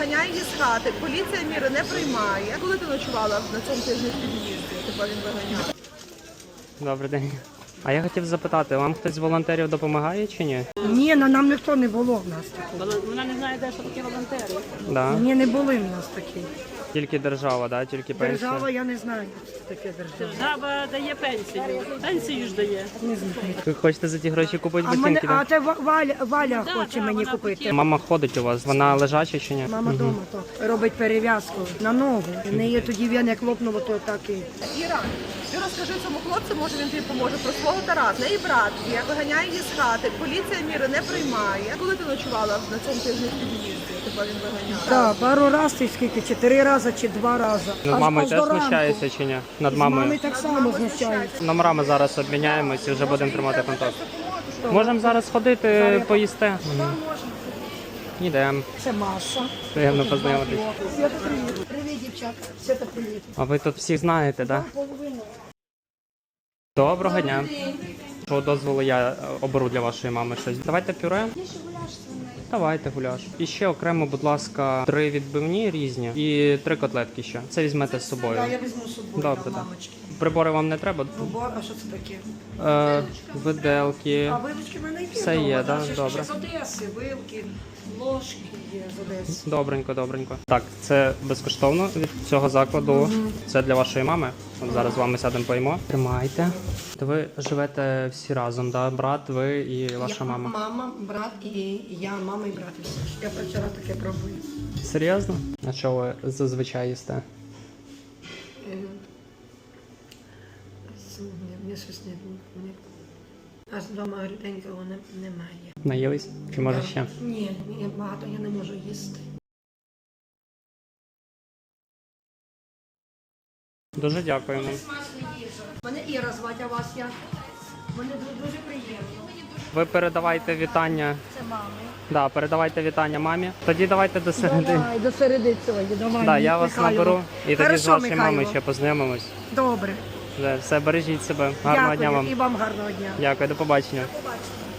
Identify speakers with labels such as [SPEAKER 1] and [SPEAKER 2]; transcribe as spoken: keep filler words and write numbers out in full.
[SPEAKER 1] виганяє її з хати. Поліція міри не приймає. Коли ти ночувала на цьому тижні в під'їзді? Тебе він виганяв.
[SPEAKER 2] Добрий день. А я хотів запитати, вам хтось з волонтерів допомагає чи ні?
[SPEAKER 3] Ні, на нам ніхто не було в нас такого.
[SPEAKER 4] Вона не знає, де що такі волонтери.
[SPEAKER 2] Да.
[SPEAKER 3] Ні, не були в нас такі.
[SPEAKER 2] Тільки держава, да? Тільки пенсія.
[SPEAKER 3] Держава, я не знаю, що таке держава.
[SPEAKER 4] Держава дає пенсію. Пенсію ж дає.
[SPEAKER 3] Не знаю.
[SPEAKER 2] Ви хочете за ті гроші купити
[SPEAKER 3] А, мене,
[SPEAKER 2] ботинки,
[SPEAKER 3] а
[SPEAKER 2] так?
[SPEAKER 3] це Ва- Валя, Валя
[SPEAKER 4] Да,
[SPEAKER 3] хоче
[SPEAKER 4] да,
[SPEAKER 3] мені
[SPEAKER 4] вона
[SPEAKER 3] купити.
[SPEAKER 4] хотіла.
[SPEAKER 2] Мама ходить у вас, вона лежача чи ні?
[SPEAKER 3] Мама вдома то робить перев'язку на ногу. В неї тоді веник лопнуло, то так і.
[SPEAKER 1] Іра, ти розкажи цьому хлопцю, може він тобі поможе, про свого Тараса. В неї брат є, виганяє її з хати. Поліція міри не приймає. Коли ти ночувала на цьому тижні в під'їзді? Тебе він виганяв.
[SPEAKER 3] Так, пару разів, скільки, чотири рази чи два рази.
[SPEAKER 2] Над
[SPEAKER 3] Аж-
[SPEAKER 2] мамою
[SPEAKER 3] аж
[SPEAKER 2] теж
[SPEAKER 3] до ранку.
[SPEAKER 2] знущається чи ні? Над
[SPEAKER 3] З мами
[SPEAKER 2] мамою.
[SPEAKER 3] так само знущається.
[SPEAKER 2] Номерами зараз обміняємось і вже будемо тримати контакт. Можемо зараз ходити, поїсти?
[SPEAKER 3] Можна.
[SPEAKER 2] Йдемо.
[SPEAKER 3] Це Маша.
[SPEAKER 2] Приємно познайомитись.
[SPEAKER 3] Свята, привіт. Привіт, дівчатка. Свята, привіт.
[SPEAKER 2] А ви тут всіх знаєте, так? Да?
[SPEAKER 3] Половину.
[SPEAKER 2] Доброго дня. Що дозволу я е, оберу для вашої мами щось. Давайте пюре. Давайте гуляш. І ще окремо, будь ласка, три відбивні різні і три котлетки ще. Це візьмете з собою.
[SPEAKER 3] Так, я візьму з собою.
[SPEAKER 2] Добре,
[SPEAKER 3] да,
[SPEAKER 2] так.
[SPEAKER 3] мамочки.
[SPEAKER 2] Прибори вам не треба?
[SPEAKER 3] Бо, а що це таке?
[SPEAKER 2] Е, виделки.
[SPEAKER 3] А вилочки в мене є.
[SPEAKER 2] Все
[SPEAKER 3] вдома,
[SPEAKER 2] є,
[SPEAKER 3] да,
[SPEAKER 2] да?
[SPEAKER 3] ще ж
[SPEAKER 2] Добре.
[SPEAKER 3] З Одеси, вилки, ложки є з Одеси.
[SPEAKER 2] Добренько, добренько. Так, це безкоштовно від цього закладу. Це для вашої мами. От зараз з вами сядемо поїмо. Тримайте. То ви живете всі разом, да? Брат, ви і ваша
[SPEAKER 3] я,
[SPEAKER 2] мама.
[SPEAKER 3] Мама, брат і я, мама і брат. І все. Я перший раз таке пробую.
[SPEAKER 2] Серйозно? А що ви зазвичай їсте?
[SPEAKER 3] Е, з- ні, Мені щось не... не... Аж вдома ріденького не, немає.
[SPEAKER 2] Наїлись? Чи може ще?
[SPEAKER 3] Ні, ні, багато я не можу їсти.
[SPEAKER 2] Дуже дякуємо.
[SPEAKER 3] Мене Іра звати, а вас як? Мене дуже, дуже приємно.
[SPEAKER 2] Ви передавайте вітання.
[SPEAKER 3] Це мами.
[SPEAKER 2] Да, передавайте вітання мамі. Тоді давайте до середини.
[SPEAKER 3] Давай, до середи сьогодні, давай.
[SPEAKER 2] Да, я вас
[SPEAKER 3] Михайло.
[SPEAKER 2] наберу і тоді з
[SPEAKER 3] Хорошо,
[SPEAKER 2] вашою
[SPEAKER 3] Михайло.
[SPEAKER 2] мамою ще познайомимось.
[SPEAKER 3] Добре.
[SPEAKER 2] Все, бережіть себе. Гарного
[SPEAKER 3] Дякую.
[SPEAKER 2] дня вам.
[SPEAKER 3] І вам гарного дня.
[SPEAKER 2] Дякую, до побачення.
[SPEAKER 3] Побачимо.